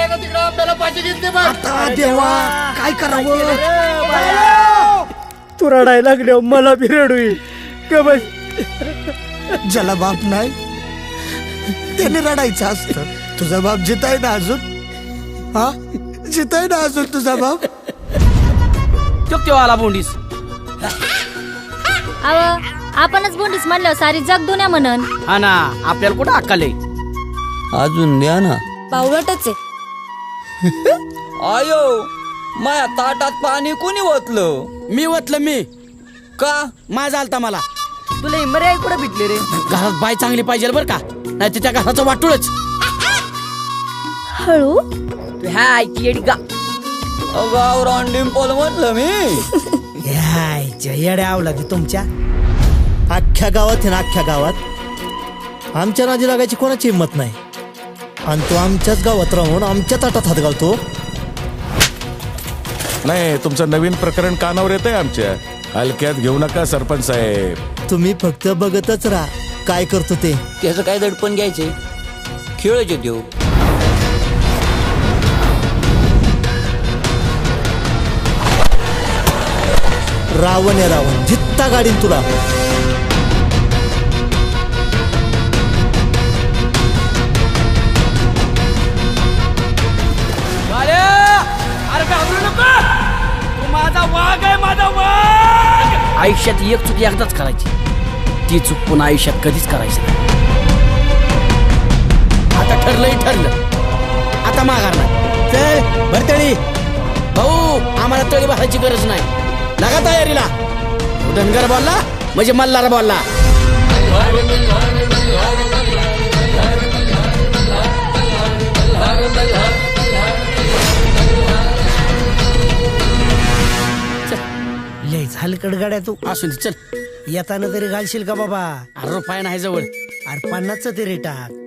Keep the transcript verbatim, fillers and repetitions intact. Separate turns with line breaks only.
ना तिकडे आंब्याला पाठी घेतली बघ.
आता देवा काय करावं?
तू रडायला लागल्यावर मला बी रडू येईल का बस.
ज्याला बाप नाही त्याने रडायचं असतं. तुझा बाप जिताय ना अजून? हा जिताय ना अजून तुझा बाप?
तेव्हा आला बोंडीस.
अव आपणच बोंडीस म्हणल्यावर सारी जग दुनिया म्हणन.
हा ना, आपल्याला कुठं अक्कल आहे?
अजून द्या ना.
बावळटच आहे.
आयो माया ताटात पाणी कोणी ओतलं?
मी वतलं मी.
का?
माझा आलता मला.
तुला इमरे कुठे भेटले रे?
घरात बाय चांगली पाहिजे बर का, नाही तर त्या घराचं वाटूळच.
हळू
तू ह्या आयची येडी का?
गावरान डिंपल म्हटलं मी.
येड्या आवला की तुमच्या अख्ख्या गावात आहे ना, अख्ख्या गावात आमच्या नादी लागायची कोणाची हिंमत नाही. आणि तो आमच्याच गावात राहून आमच्या ताटात हात घालतो.
नाही, तुमचं नवीन प्रकरण कानावर येतंय आमच्या. हलक्यात घेऊ नका सरपंच साहेब.
तुम्ही फक्त बघतच राहा काय करतो ते.
त्याचं काय दडपण घ्यायचे? खेळच देऊ.
रावण आहे रावण, जित्ता गाडीन तुला.
माझा वाघ आहे, माझा वाघ. आयुष्यात एक चूक एकदाच करायची, ती चूक पुन्हा आयुष्यात कधीच करायची नाही. आता ठरलंय ठरलं, आता माघार नाही. चल भरतळी भाऊ, आम्हाला तळी भरायची गरज नाही. लागा तयारीला. धनगर बोलला म्हणजे मल्हार बोलला.
लय झालकड गाड्या तू.
असू दे चल.
येताना तरी घालशील का बाबा?
अरे रुपया नाही जवळ.
अरे पन्नासचं तरी टाक.